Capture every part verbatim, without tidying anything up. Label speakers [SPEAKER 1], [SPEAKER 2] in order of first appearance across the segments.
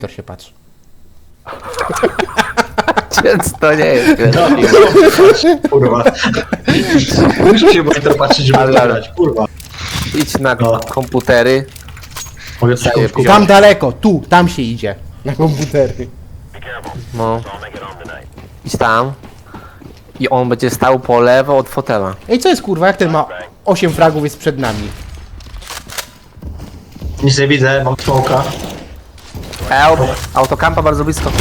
[SPEAKER 1] To się patrzy.
[SPEAKER 2] Więc to nie jest.
[SPEAKER 3] No, kurwa. Muszę się monitor patrzeć, żeby
[SPEAKER 2] Ale-
[SPEAKER 3] zagrać, kurwa.
[SPEAKER 2] Idź na
[SPEAKER 3] No.
[SPEAKER 2] komputery.
[SPEAKER 3] Mogę coś
[SPEAKER 2] Daję
[SPEAKER 3] kupić.
[SPEAKER 1] Tam daleko, tu, tam się idzie. Na komputery.
[SPEAKER 2] No. Idź tam. I on będzie stał po lewo od fotela.
[SPEAKER 1] Ej, co jest kurwa, jak ten ma osiem fragów jest przed nami?
[SPEAKER 3] Nic nie widzę, mam smoka.
[SPEAKER 2] Help! Autokampa bardzo blisko.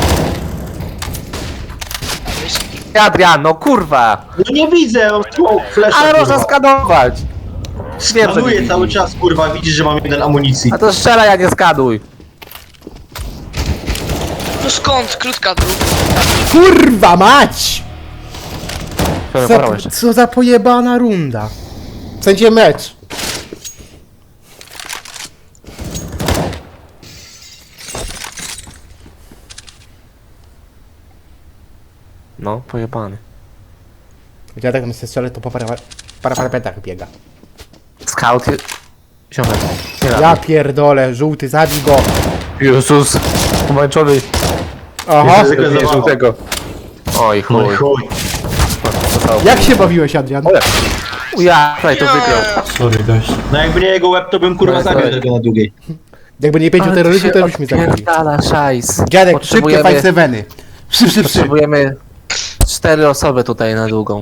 [SPEAKER 2] Adrian, no kurwa!
[SPEAKER 3] No nie widzę, mam smoke, flash.
[SPEAKER 2] Ale można skanować! Wiem, że nie
[SPEAKER 3] Skanuję
[SPEAKER 2] widzisz.
[SPEAKER 3] cały czas, kurwa, widzisz, że mam jeden amunicji.
[SPEAKER 2] A to strzelaj, a nie skaduj.
[SPEAKER 4] No skąd? Krótka dróg.
[SPEAKER 1] Kurwa mać!
[SPEAKER 2] Co,
[SPEAKER 1] Co, co za pojebana runda. W sensie mecz.
[SPEAKER 2] No, pojebany.
[SPEAKER 1] Ja tak tam się strzelę, to po para, para parapetach biega.
[SPEAKER 2] Scout... Ziomek. Nie
[SPEAKER 1] Ja pierdolę, żółty, zabij go.
[SPEAKER 2] Jezus! Pomarańczowy.
[SPEAKER 1] Aha.
[SPEAKER 3] Ryzyko
[SPEAKER 2] Nie
[SPEAKER 3] zabawa.
[SPEAKER 2] żółtego. Oj
[SPEAKER 3] No i
[SPEAKER 2] chuj.
[SPEAKER 3] chuj.
[SPEAKER 1] Jak się bawiłeś, Adrian?
[SPEAKER 2] Ole. Ja, tutaj to wygrał.
[SPEAKER 3] Sorry, gość. No jakby nie jego łeb, to bym kurwa
[SPEAKER 2] No,
[SPEAKER 3] zabił
[SPEAKER 2] sorry.
[SPEAKER 3] tego na długiej.
[SPEAKER 1] Jakby nie pięciu terrorystów, to byśmy zabili.
[SPEAKER 2] Odpierdala szajs.
[SPEAKER 1] Dziadek, szybkie
[SPEAKER 2] Potrzebujemy-
[SPEAKER 1] five seveny. Przy, przy, przy.
[SPEAKER 2] Potrzebujemy cztery osoby tutaj na długą.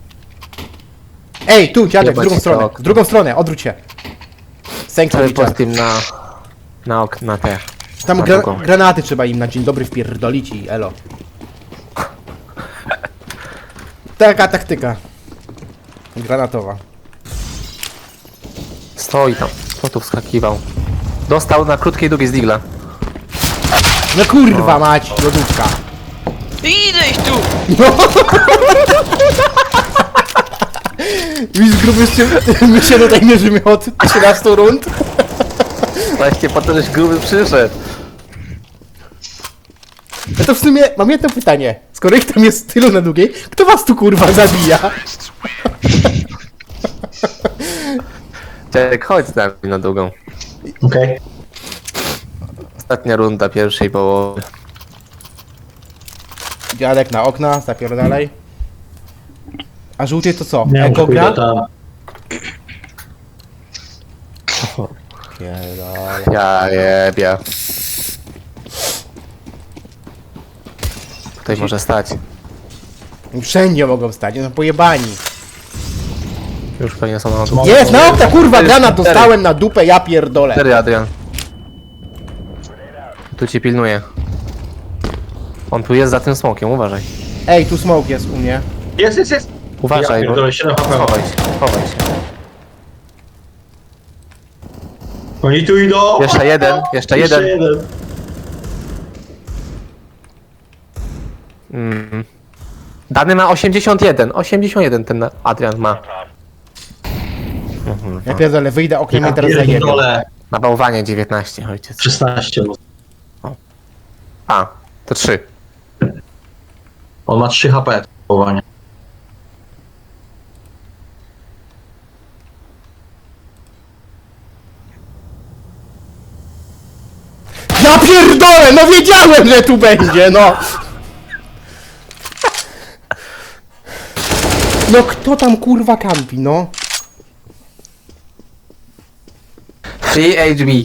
[SPEAKER 1] Ej, tu, dziadek, w
[SPEAKER 2] Jebać
[SPEAKER 1] drugą
[SPEAKER 2] to
[SPEAKER 1] stronę.
[SPEAKER 2] okno.
[SPEAKER 1] W drugą stronę, odwróć się.
[SPEAKER 2] Cały
[SPEAKER 1] Sanctuary
[SPEAKER 2] post
[SPEAKER 1] Jar.
[SPEAKER 2] tym na... Na ok, na te.
[SPEAKER 1] Tam
[SPEAKER 2] na
[SPEAKER 1] gra,
[SPEAKER 2] drugą.
[SPEAKER 1] granaty trzeba im na dzień dobry wpierdolić i elo. Taka taktyka. Granatowa.
[SPEAKER 2] Stoi tam. Kto tu wskakiwał? Dostał na krótkiej długiej z digla.
[SPEAKER 1] No kurwa mać, lodówka.
[SPEAKER 4] Idę ich tu!
[SPEAKER 1] Widzisz, gruby, się- my się tutaj mierzymy od trzynastu rund.
[SPEAKER 2] Właśnie po to, żeś gruby przyszedł.
[SPEAKER 1] No to w sumie mam jedno pytanie. Skoro ich tam jest tylu na długiej, kto was tu kurwa zabija?
[SPEAKER 2] Dziadek, chodź z nami na długą.
[SPEAKER 3] Okej.
[SPEAKER 2] Ostatnia runda pierwszej połowy.
[SPEAKER 1] Dziadek na okna, zapierdalaj. A żółty to co?
[SPEAKER 3] Nie,
[SPEAKER 1] Eko
[SPEAKER 3] może pójdę
[SPEAKER 1] gra?
[SPEAKER 3] tam.
[SPEAKER 1] Pierdolę.
[SPEAKER 2] Ja jebie. Tutaj może stać.
[SPEAKER 1] Wszędzie mogą stać, no pojebani.
[SPEAKER 2] Już pewnie są na dół.
[SPEAKER 1] Jest, na okna kurwa,
[SPEAKER 2] Cztery,
[SPEAKER 1] granat
[SPEAKER 2] cztery.
[SPEAKER 1] dostałem na dupę, ja pierdolę.
[SPEAKER 2] Cztery, Adrian. Tu cię pilnuje. On tu jest za tym smokiem, uważaj.
[SPEAKER 1] Ej, tu smoke jest u mnie.
[SPEAKER 3] Jest, jest, jest.
[SPEAKER 2] Uważaj,
[SPEAKER 3] Ja
[SPEAKER 2] bo...
[SPEAKER 3] pierdolę, siedem H P.
[SPEAKER 2] Chowaj się, chowaj się.
[SPEAKER 3] Oni tu idą.
[SPEAKER 2] Jeszcze jeden, jeszcze jeden.
[SPEAKER 3] Jeszcze jeden.
[SPEAKER 2] Mm. Dany ma osiemdziesiąt jeden, osiemdziesiąt jeden ten Adrian ma. Mhm.
[SPEAKER 1] Ja pierdolę, wyjdę oknem
[SPEAKER 3] Ja
[SPEAKER 1] i teraz zajebię.
[SPEAKER 3] pierdolę.
[SPEAKER 2] Na bałwanie dziewiętnaście, ojciec.
[SPEAKER 3] szesnaście.
[SPEAKER 2] A, to trzy.
[SPEAKER 3] On ma trzy H P. Powołanie.
[SPEAKER 1] Ja pierdolę, no wiedziałem, że tu będzie, no! No kto tam kurwa kampi, no?
[SPEAKER 2] Free H B.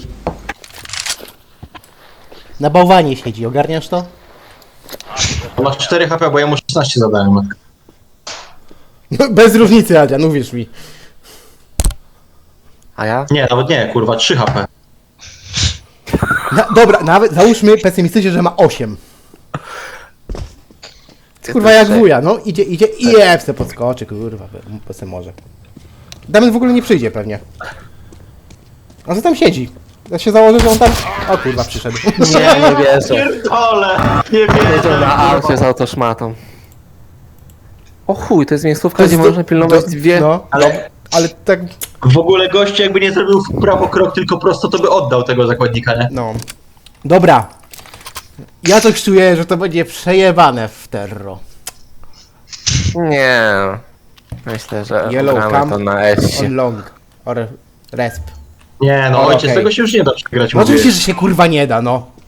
[SPEAKER 1] Na bałwanie siedzi, ogarniasz to?
[SPEAKER 3] On ma cztery H P, bo ja mu szesnaście zadałem.
[SPEAKER 1] No, bez różnicy, Adrian, uwierz mi.
[SPEAKER 2] A ja?
[SPEAKER 3] Nie, nawet nie, kurwa, trzy H P.
[SPEAKER 1] Na, dobra, nawet załóżmy pesymistycznie, że ma osiem. Kurwa jak wuja, no idzie, idzie i jeb se podskoczy, kurwa, po se może. Damian w ogóle nie przyjdzie pewnie. On co tam siedzi? Ja się założę, że on tam... O kurwa, przyszedł.
[SPEAKER 2] Nie, nie wierzę.
[SPEAKER 3] Pierdolę, nie
[SPEAKER 2] Jedzie na
[SPEAKER 3] wierzę.
[SPEAKER 2] aucie z autoszmatą. O chuj, to jest miejscówka,
[SPEAKER 1] To jest
[SPEAKER 2] gdzie
[SPEAKER 1] do-
[SPEAKER 2] można pilnować
[SPEAKER 1] do-
[SPEAKER 2] dwie...
[SPEAKER 1] No,
[SPEAKER 3] Ale
[SPEAKER 1] ale tak,
[SPEAKER 3] w ogóle goście jakby nie zrobił w prawo krok, tylko prosto, to by oddał tego zakładnika, nie?
[SPEAKER 1] no. Dobra. Ja coś czuję, że to będzie przejebane w terro.
[SPEAKER 2] Nie. Myślę, że
[SPEAKER 1] Yellow
[SPEAKER 2] gramy
[SPEAKER 1] camp
[SPEAKER 2] to na S.
[SPEAKER 1] On long. Or resp.
[SPEAKER 3] Nie, no
[SPEAKER 1] O,
[SPEAKER 3] ojciec,
[SPEAKER 1] okej.
[SPEAKER 3] tego się już nie da przegrać.
[SPEAKER 1] No
[SPEAKER 3] mówię.
[SPEAKER 1] oczywiście, że się kurwa nie da, no.